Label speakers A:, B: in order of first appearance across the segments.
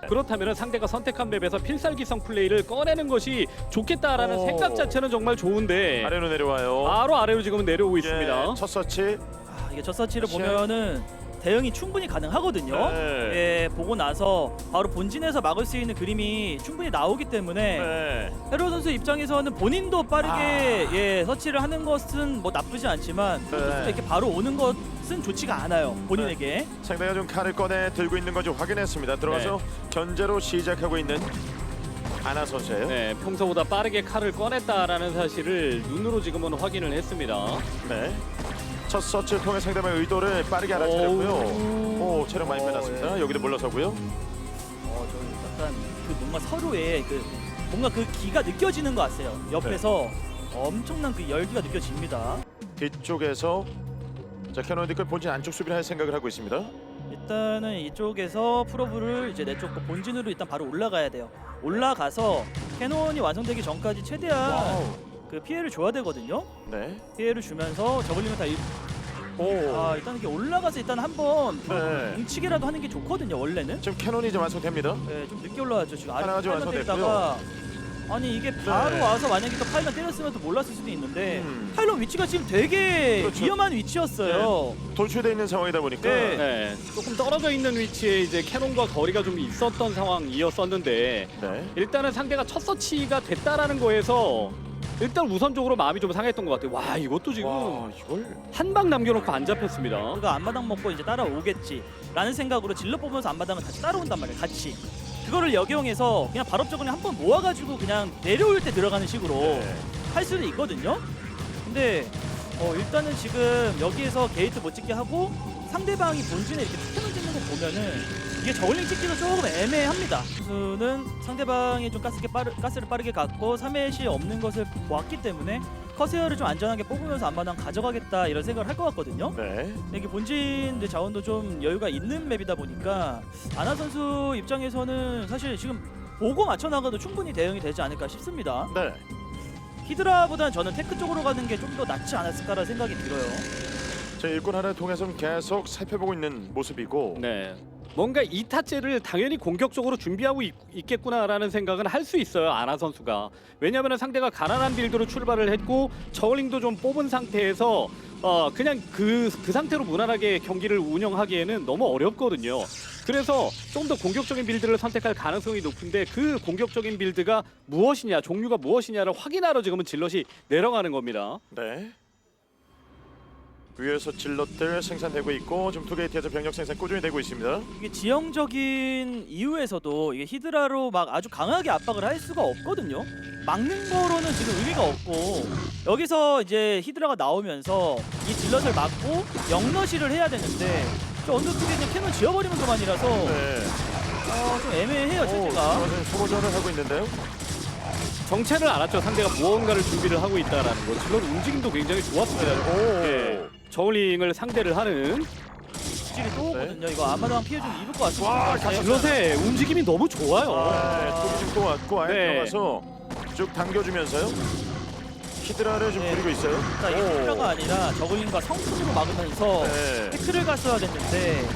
A: 그렇다면 상대가 선택한 맵에서 필살기성 플레이를 꺼내는 것이 좋겠다라는 생각 자체는 정말 좋은데
B: 아래로 내려와요.
A: 바로 아래로 지금은 내려오고 있습니다.
B: 첫 서치.
C: 이게 첫 서치를 보면은 대응이 충분히 가능하거든요.
B: 네.
C: 예, 보고 나서 바로 본진에서 막을 수 있는 그림이 충분히 나오기 때문에
B: 네.
C: 헤로 선수 입장에서는 본인도 빠르게 예, 서치를 하는 것은 뭐 나쁘지 않지만 선수가 이렇게 바로 오는 것은 좋지가 않아요. 본인에게.
B: 상대가 좀 칼을 꺼내 들고 있는 건지 확인했습니다. 들어가서 견제로 시작하고 있는 아나 선수예요.
A: 네, 평소보다 빠르게 칼을 꺼냈다라는 사실을 눈으로 지금은 확인을 했습니다.
B: 네. 첫 서치를 통해 상대방의 의도를 빠르게 알아차렸고요. 오, 체력 많이 빼놨습니다. 여기도 물러서고요.
C: 저 약간 그 뭔가 서로의 그 뭔가 그 기가 느껴지는 것 같아요. 옆에서 엄청난 그 열기가 느껴집니다.
B: 뒤쪽에서 자 캐논 디클 본진 안쪽 수비를 할 생각을 하고 있습니다.
C: 일단은 이쪽에서 프로브를 이제 내쪽 본진으로 일단 바로 올라가야 돼요. 올라가서 캐논이 완성되기 전까지 최대한 그 피해를 줘야 되거든요.
B: 네.
C: 피해를 주면서 저글링을 다 일단 이렇게 올라가서 일단 한번
B: 네.
C: 뭉치기라도 하는 게 좋거든요. 원래는.
B: 지금 캐논이 이제 완성됩니다.
C: 네, 좀 늦게 올라왔죠. 지금
B: 하나가 좀
C: 팔만 때리다가 아니 이게 바로 와서 만약에 또 파일럿 때렸으면 또 몰랐을 수도 있는데 파일럿 위치가 지금 되게
B: 그렇죠.
C: 위험한 위치였어요.
B: 돌출되어 있는 상황이다 보니까
C: 네.
A: 네, 조금 떨어져 있는 위치에 이제 캐논과 거리가 좀 있었던 상황이었었는데
B: 네.
A: 일단은 상대가 첫 서치가 됐다라는 거에서 일단 우선적으로 마음이 좀 상했던 것 같아요. 와, 이것도 지금
B: 와, 이걸
A: 한 방 남겨놓고 안 잡혔습니다.
C: 그가 앞마당 먹고 이제 따라오겠지라는 생각으로 질러 뽑으면서 앞마당을 같이 따라온단 말이에요. 같이. 그거를 역용해서 그냥 발업적으로 한번 모아가지고 그냥 내려올 때 들어가는 식으로 할 수는 있거든요. 근데 일단은 지금 여기에서 게이트 못 찍게 하고 상대방이 본진에 이렇게 캐논 찍는 거 보면은 이게 저글링 찍기도 조금 애매합니다. 선수는 상대방이 좀 가스를 빠르게 갖고 3회시 없는 것을 보았기 때문에 커세어를 좀 안전하게 뽑으면서 앞마당 가져가겠다 이런 생각을 할 것 같거든요.
B: 네.
C: 이게 본진 자원도 좀 여유가 있는 맵이다 보니까 아나 선수 입장에서는 사실 지금 보고 맞춰 나가도 충분히 대응이 되지 않을까 싶습니다.
B: 네.
C: 히드라보다는 저는 테크 쪽으로 가는 게 좀 더 낫지 않았을까라는 생각이 들어요.
B: 자 일꾼 하나를 통해서 계속 살펴보고 있는 모습이고.
A: 네. 뭔가 2타째를 당연히 공격적으로 준비하고 있겠구나라는 생각은 할 수 있어요. 아나 선수가. 왜냐하면 상대가 가난한 빌드로 출발을 했고 저글링도 좀 뽑은 상태에서 그냥 그 상태로 무난하게 경기를 운영하기에는 너무 어렵거든요. 그래서 좀 더 공격적인 빌드를 선택할 가능성이 높은데 그 공격적인 빌드가 무엇이냐, 종류가 무엇이냐를 확인하러 지금은 질럿이 내려가는 겁니다.
B: 네. 위에서 질럿들 생산되고 있고 지금 투게이트에서 병력 생산 꾸준히 되고 있습니다.
C: 이게 지형적인 이유에서도 이게 히드라로 막 아주 강하게 압박을 할 수가 없거든요. 막는 거로는 지금 의미가 없고 여기서 이제 히드라가 나오면서 이 질럿을 막고 영러시를 해야 되는데 저 언더쪽에 있는 캐논 지어버리는 것만이라서
B: 네.
C: 좀 애매해요 체제가.
B: 소모전을 하고 있는데요.
A: 정체를 알았죠. 상대가 무언가를 준비를 하고 있다라는 거. 질럿 움직임도 굉장히 좋았습니다. 예. 저울링을 상대를 하는
C: 질이 또 오거든요. 이거 앞마당 피해 좀 입을 것 같습니다.
A: 질럿의 움직임이 너무 좋아요.
B: 네, 지금 또 왔고 아예
A: 네.
B: 들어가서 쭉 당겨주면서요. 히드라를 좀 부리고 있어요.
C: 자, 이게 히드라가 아니라 저글링과 성큰으로 막으면서
B: 네.
C: 태클을 갔어야 됐는데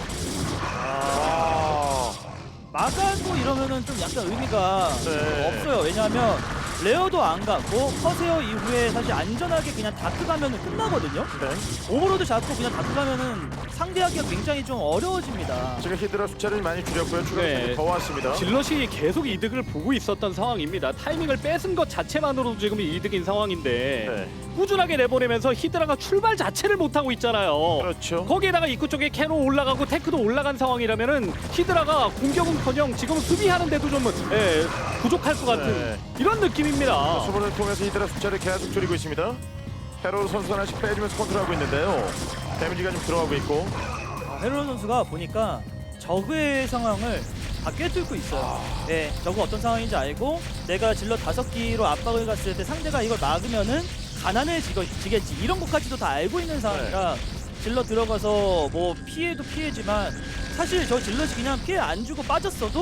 B: 아.
C: 막아도 이러면은 좀 약간 의미가
B: 네.
C: 없어요. 왜냐하면 레어도 안 가고 커세어 이후에 사실 안전하게 그냥 다크 가면은 끝나거든요.
B: 네.
C: 오버로드 잡고 그냥 다크 가면은 상대하기가 굉장히 좀 어려워집니다.
B: 지금 히드라 숫자를 많이 줄였고요. 추가
A: 네.
B: 더 왔습니다.
A: 질럿이 계속 이득을 보고 있었던 상황입니다. 타이밍을 뺏은 것 자체만으로도 지금 이득인 상황인데
B: 네.
A: 꾸준하게 내보내면서 히드라가 출발 자체를 못하고 있잖아요.
B: 그렇죠.
A: 거기에다가 입구 쪽에 캐논 올라가고 테크도 올라간 상황이라면은 히드라가 공격은커녕 지금 수비하는데도 좀 부족할 것 같은
B: 네.
A: 이런 느낌입니다.
B: 수분을 통해서 히드라 숫자를 계속 줄이고 있습니다. 헤로 선수 하나씩 빼주면서 컨트롤하고 있는데요. 데미지가 좀 들어가고 있고.
C: 헤롤 선수가 보니까 저그의 상황을 다 꿰뚫고 있어요. 네, 저그 어떤 상황인지 알고 내가 질러 5기로 압박을 갔을 때 상대가 이걸 막으면은 가난해지겠지 이런 것까지도 다 알고 있는 상황이라 질러 들어가서 뭐 피해도 피해지만 사실 저 질럿이 그냥 피해 안 주고 빠졌어도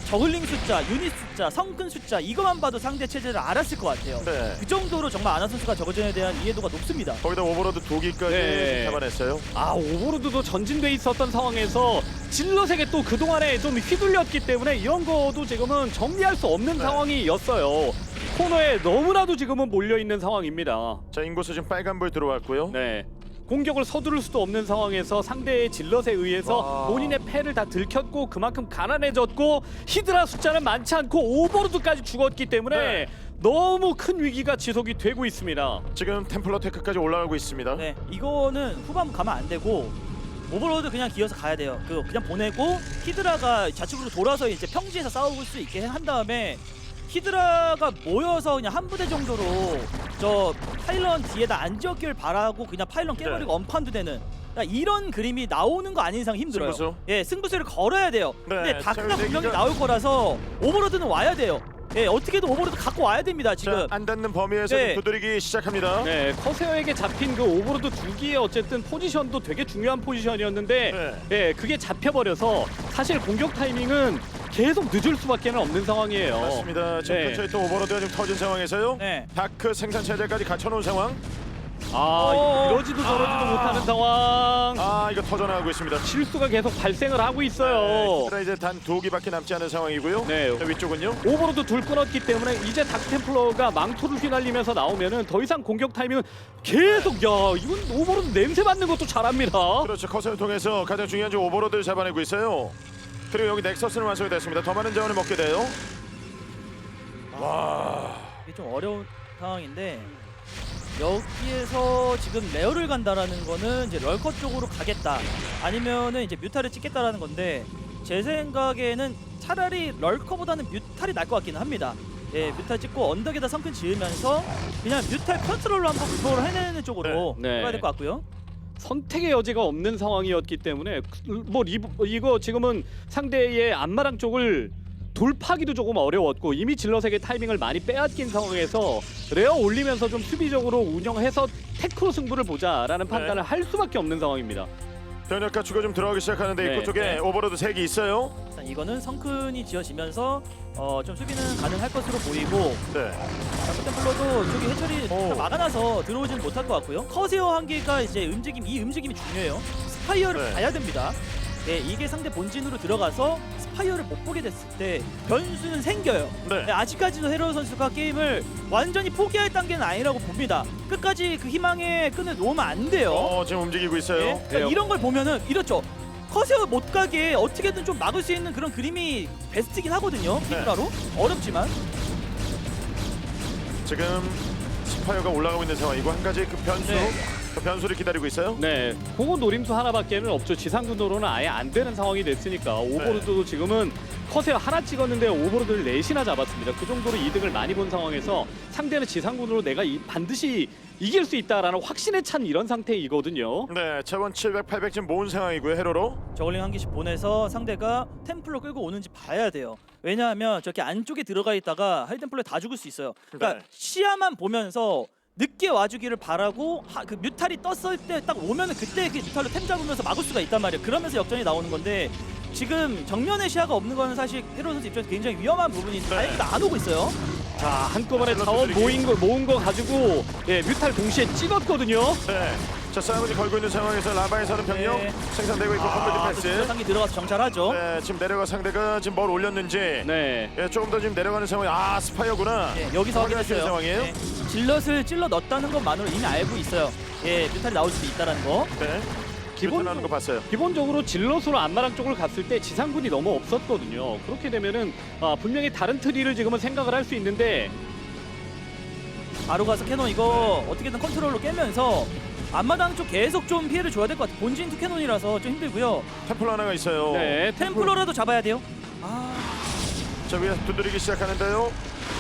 C: 저글링 숫자, 유닛 숫자, 성큰 숫자 이것만 봐도 상대 체제를 알았을 것 같아요.
B: 네.
C: 그 정도로 정말 아나 선수가 저거전에 대한 이해도가 높습니다.
B: 거기다 오버로드 2기까지
A: 네.
B: 잡아냈어요.
A: 아, 오버로드도 전진돼 있었던 상황에서 질럿에게 또 그동안에 좀 휘둘렸기 때문에 이런 거도 지금은 정리할 수 없는
B: 네.
A: 상황이었어요. 코너에 너무나도 지금은 몰려있는 상황입니다.
B: 자, 인구수 지금 빨간불 들어왔고요.
A: 네. 공격을 서두를 수도 없는 상황에서 상대의 질럿에 의해서
B: 와.
A: 본인의 패를 다 들켰고 그만큼 가난해졌고 히드라 숫자는 많지 않고 오버로드까지 죽었기 때문에
B: 네.
A: 너무 큰 위기가 지속이 되고 있습니다.
B: 지금 템플러 테크까지 올라가고 있습니다.
C: 네, 이거는 후반 가면 안 되고 오버로드 그냥 기어서 가야 돼요. 그냥 보내고 히드라가 좌측으로 돌아서 이제 평지에서 싸울 수 있게 한 다음에 히드라가 모여서 그냥 한 부대 정도로 저 파일런 뒤에다 안 지었길 바라고 그냥 파일런 깨버리고
B: 네.
C: 엄판도 되는 그러니까 이런 그림이 나오는 거 아닌 이상 힘들어요.
B: 승부수?
C: 예, 승부수를 걸어야 돼요.
B: 네,
C: 근데 다크가
B: 자,
C: 분명히
B: 여기가-
C: 나올 거라서 오버로드는 와야 돼요. 예, 어떻게든 오버로드 갖고 와야 됩니다. 지금.
B: 자, 안 닿는 범위에서
C: 네.
B: 지금 두드리기 시작합니다.
A: 네, 커세어에게 잡힌 그 오버로드 2기의 어쨌든 포지션도 되게 중요한 포지션이었는데
B: 네.
A: 그게 잡혀버려서 사실 공격 타이밍은 계속 늦을 수밖에 없는 상황이에요.
B: 맞습니다. 지금
A: 네.
B: 근처에 또 오버로드가 지금 터진 상황에서요.
C: 네.
B: 다크 생산 체제까지 갖춰놓은 상황.
A: 아, 이러지도 저러지도 못하는 상황.
B: 아, 이거 터져나가고 있습니다.
A: 실수가 계속 발생을 하고 있어요.
B: 히드라 이제 단 2기밖에 남지 않은 상황이고요.
A: 네.
B: 자, 위쪽은요.
A: 오버로드 둘 끊었기 때문에 이제 닥템플러가 망토를 휘날리면서 나오면은 더 이상 공격 타이밍은 계속 야 이건 오버로드 냄새 맡는 것도 잘합니다.
B: 그렇죠. 커서를 통해서 가장 중요한 지 오버로드를 잡아내고 있어요. 그리고 여기 넥서스는 완성이 됐습니다. 더 많은 자원을 먹게 돼요. 와.
C: 이게 좀 어려운 상황인데 여기에서 지금 레어를 간다라는 거는 이제 럴커 쪽으로 가겠다 아니면은 이제 뮤탈을 찍겠다라는 건데 제 생각에는 차라리 럴커보다는 뮤탈이 날 것 같기는 합니다. 예, 뮤탈 찍고 언덕에다 성큰 지으면서 그냥 뮤탈 컨트롤로 한번 그걸 해내는 쪽으로
A: 네.
C: 해야 될 것 같고요.
A: 선택의 여지가 없는 상황이었기 때문에 뭐 이거 지금은 상대의 안마랑 쪽을 돌파하기도 조금 어려웠고 이미 질럿에게 타이밍을 많이 빼앗긴 상황에서 레어 올리면서 좀 수비적으로 운영해서 테크로 승부를 보자라는 판단을 할 수밖에 없는 상황입니다.
B: 병력과 추가 좀 들어가기 시작하는데
A: 네,
B: 입구 쪽에
C: 네.
B: 오버로드 3개 있어요.
C: 일단 이거는 성큰이 지어지면서 좀 수비는 가능할 것으로 보이고
B: 네.
C: 템플러도 저기 해철이
B: 오.
C: 막아놔서 들어오지는 못할 것 같고요. 커세어 한 개가 이제 이 움직임이 중요해요. 스파이어를
B: 네.
C: 봐야 됩니다. 네, 이게 상대 본진으로 들어가서 스파이어를 못 보게 됐을 때 변수는 생겨요.
B: 네.
C: 네, 아직까지도 헤로 선수가 게임을 완전히 포기할 단계는 아니라고 봅니다. 끝까지 그 희망의 끈을 놓으면 안 돼요.
B: 지금 움직이고 있어요.
C: 네, 그러니까 이런 걸 보면은 이렇죠. 커세어 못 가게 어떻게든 좀 막을 수 있는 그런 그림이 베스트긴 하거든요.
B: 네.
C: 히드라로 어렵지만.
B: 지금 스파이어가 올라가고 있는 상황이고 한 가지 그 변수,
C: 네.
B: 그 변수를 기다리고 있어요.
A: 네, 그거 노림수 하나밖에는 없죠. 지상군도로는 아예 안 되는 상황이 됐으니까 오버로드도 지금은 컷에 하나 찍었는데 오버로드를 넷이나 잡았습니다. 그 정도로 이득을 많이 본 상황에서 상대는 지상군으로 내가 반드시 이길 수 있다라는 확신에 찬 이런 상태이거든요.
B: 네, 차원 700, 800 지금 모은 상황이고요. 헤로로.
C: 저글링 한 개씩 보내서 상대가 템플러 끌고 오는지 봐야 돼요. 왜냐하면 저렇게 안쪽에 들어가 있다가 하이템플러에 다 죽을 수 있어요. 그러니까
B: 네.
C: 시야만 보면서 늦게 와주기를 바라고 그 뮤탈이 떴을 때 딱 오면은 그때 그 뮤탈로 템 잡으면서 막을 수가 있단 말이에요. 그러면서 역전이 나오는 건데 지금 정면에 시야가 없는 거는 사실 헤로 선수 입장에서 굉장히 위험한 부분이 다행히도 안 오고 있어요.
A: 자, 한꺼번에
B: 자,
A: 자원
B: 들어들이기.
A: 모은 거 가지고 뮤탈 동시에 찍었거든요.
B: 네. 자, 싸움을 걸고 있는 상황에서 라바에서는 병력
C: 네.
B: 생산되고 있고 컴퓨터 패스.
C: 상기 들어가서 정찰하죠.
B: 네, 지금 내려가 상대가 지금 뭘 올렸는지.
A: 네.
B: 예, 조금 더 지금 내려가는 상황이. 아, 스파이어구나.
C: 예, 여기서
B: 확인할 수 있는
C: 확인했어요.
B: 상황이에요.
C: 네, 질럿을 찔러 넣었다는 것만으로 이미 알고 있어요. 예, 뮤탈이 나올 수도 있다는 거.
B: 네.
A: 기본-
B: 기본 하는 거 봤어요.
A: 기본적으로 질럿으로 안마랑 쪽을 갔을 때 지상군이 너무 없었거든요. 그렇게 되면은 분명히 다른 트리를 지금은 생각을 할 수 있는데
C: 바로 가서 캐논 이거 어떻게든 컨트롤로 깨면서 앞마당 쪽 계속 좀 피해를 줘야 될 것 같아요. 본진 투 캐논이라서 좀 힘들고요.
B: 템플러 하나가 있어요.
A: 네,
C: 템플러라도 잡아야 돼요. 아,
B: 자, 위에 두드리기 시작하는데요.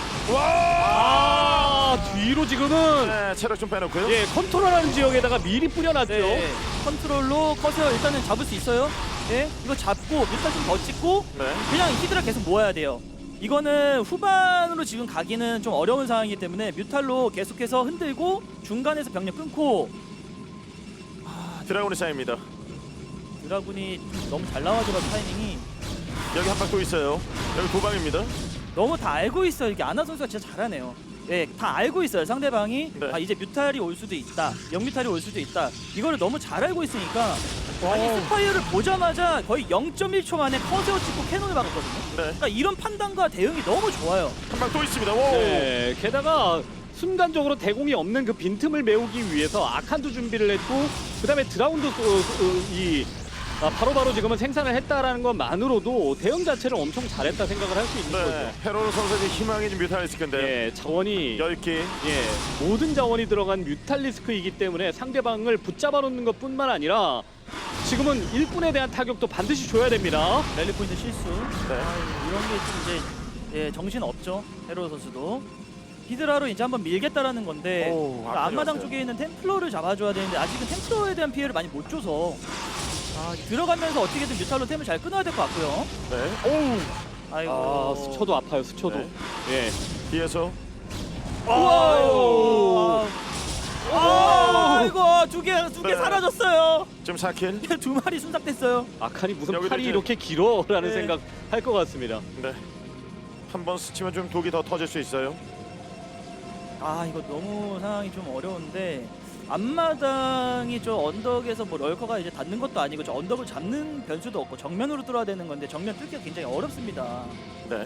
A: 뒤로 지금은
B: 네, 체력 좀 빼놓고요.
A: 예, 컨트롤하는 지역에다가 미리 뿌려놨죠.
C: 네. 컨트롤로 커서 일단은 잡을 수 있어요. 네, 이거 잡고 뮤탈 좀 더 찍고
B: 네.
C: 그냥 히드라 계속 모아야 돼요. 이거는 후반으로 지금 가기는 좀 어려운 상황이기 때문에 뮤탈로 계속해서 흔들고 중간에서 병력 끊고
B: 드라군이 쌓입니다.
C: 드라군이 너무 잘 나와줘가지고 타이밍이
B: 여기 한 방 또 있어요. 여기 도방입니다.
C: 너무 다 알고 있어요. 이게 아나 선수가 진짜 잘하네요. 예, 다 알고 있어요. 상대방이
B: 네.
C: 아, 이제 뮤탈이 올 수도 있다. 영뮤탈이 올 수도 있다. 이거를 너무 잘 알고 있으니까 아니 스파이어를 보자마자 거의 0.1초 만에 커세어 찍고 캐논을 박았거든요.
B: 네.
C: 그러니까 이런 판단과 대응이 너무 좋아요.
B: 한 방 또 있습니다. 오.
A: 네, 게다가 순간적으로 대공이 없는 그 빈틈을 메우기 위해서 아칸도 준비를 했고 그다음에 드라운드 바로바로 지금은 생산을 했다라는 것만으로도 대응 자체를 엄청 잘했다 생각을 할 수 있는
B: 네.
A: 거죠.
B: 헤로로 선수의 희망이 좀 뮤탈리스크인데요.
A: 예, 자원이
B: 10개.
A: 모든 자원이 들어간 뮤탈리스크이기 때문에 상대방을 붙잡아 놓는 것뿐만 아니라 지금은 일꾼에 대한 타격도 반드시 줘야 됩니다.
C: 랠리 포인트 실수.
B: 네.
C: 이런 게 좀 이제 예, 정신 없죠. 헤로 선수도. 히드라로 이제 한번 밀겠다라는 건데
B: 오,
C: 그러니까 앞마당
B: 왔어요.
C: 쪽에 있는 템플러를 잡아줘야 되는데 아직은 템플러에 대한 피해를 많이 못 줘서 들어가면서 어떻게든 뮤탈로 템을 잘 끊어야 될 것 같고요.
B: 네. 오.
C: 아이고.
A: 아, 스쳐도 아파요. 스쳐도.
B: 네.
A: 예.
B: 뒤에서
C: 우와. 아이고 두 개
B: 네.
C: 사라졌어요.
B: 지금 4킬.
C: 두 마리 순삭됐어요.
A: 아칸이 무슨
B: 여기도
A: 팔이
B: 이제-
A: 이렇게 길어라는
C: 네.
A: 생각 할 것 같습니다.
B: 네. 한 번 스치면 좀 독이 더 터질 수 있어요.
C: 아 이거 너무 상황이 좀 어려운데 앞마당이 저 언덕에서 뭐 럴커가 이제 닿는 것도 아니고 저 언덕을 잡는 변수도 없고 정면으로 뚫어야 되는 건데 정면 뚫기가 굉장히 어렵습니다.
B: 네.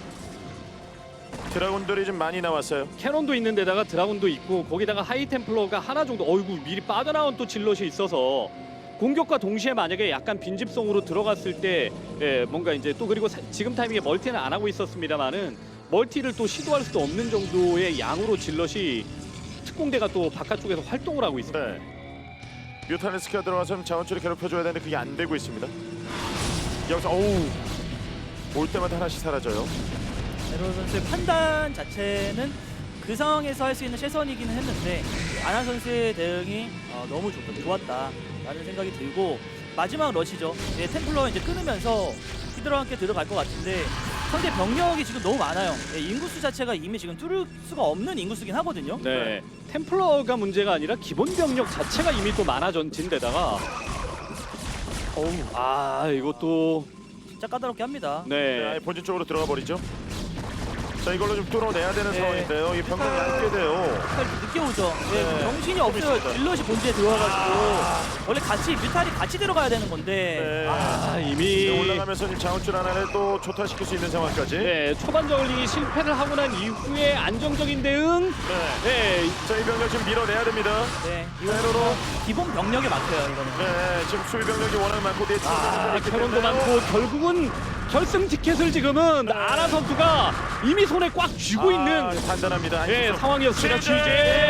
B: 드라군들이 좀 많이 나왔어요.
A: 캐논도 있는 데다가 드라군도 있고 거기다가 하이템플러가 하나 정도 어이구 미리 빠져나온 또 질럿이 있어서 공격과 동시에 만약에 약간 빈집성으로 들어갔을 때 뭔가 이제 또 그리고 지금 타이밍에 멀티는 안 하고 있었습니다만은 멀티를 또 시도할 수도 없는 정도의 양으로 질럿이 특공대가 또 바깥쪽에서 활동을 하고 있습니다.
B: 네. 뮤탈리스크가 들어가서 자원줄을 괴롭혀줘야 되는데 그게 안 되고 있습니다. 여기서 올 때마다 하나씩 사라져요.
C: 에로 선수의 판단 자체는 그 상황에서 할 수 있는 최선이기는 했는데 아나 선수의 대응이 너무 좋았다라는 생각이 들고 마지막 러시죠. 템플러 이제 끊으면서 히드라와 함께 들어갈 것 같은데 상대 병력이 지금 너무 많아요. 인구수 자체가 이미 지금 뚫을 수가 없는 인구수긴 하거든요.
A: 네. 템플러가 문제가 아니라 기본 병력 자체가 이미 또 많아진 데다가 이것도
C: 진짜 까다롭게 합니다.
B: 네,
A: 네.
B: 아예 본진 쪽으로 들어가 버리죠. 자, 이걸로 좀 뚫어내야 되는
C: 네.
B: 상황인데요. 이 병력이 얇게 돼요.
C: 뮤탈 늦게 오죠.
B: 네.
C: 정신이 없어요.
B: 있습니다.
C: 질럿이 본체에 들어와가지고 원래 같이 뮤탈이 같이 들어가야 되는 건데
B: 네.
A: 이미
B: 올라가면서 지금 자원줄 하나를 또 초토화시킬 수 있는 상황까지.
A: 네, 초반 저글링이 실패를 하고 난 이후에 안정적인 대응.
B: 네.
A: 네,
B: 자, 이 병력 지금 밀어내야 됩니다.
C: 네,
B: 헤로로.
C: 기본 병력에 막혀요 이거는.
B: 네, 지금 수비 병력이 워낙 많고 뒤에
A: 캐논도 많고 결국은 결승 티켓을 지금은 아나 선수가 이미 손에 꽉 쥐고 있는
B: 단단합니다.
A: 예, 상황이었습니다.
B: 취재!
A: 취재.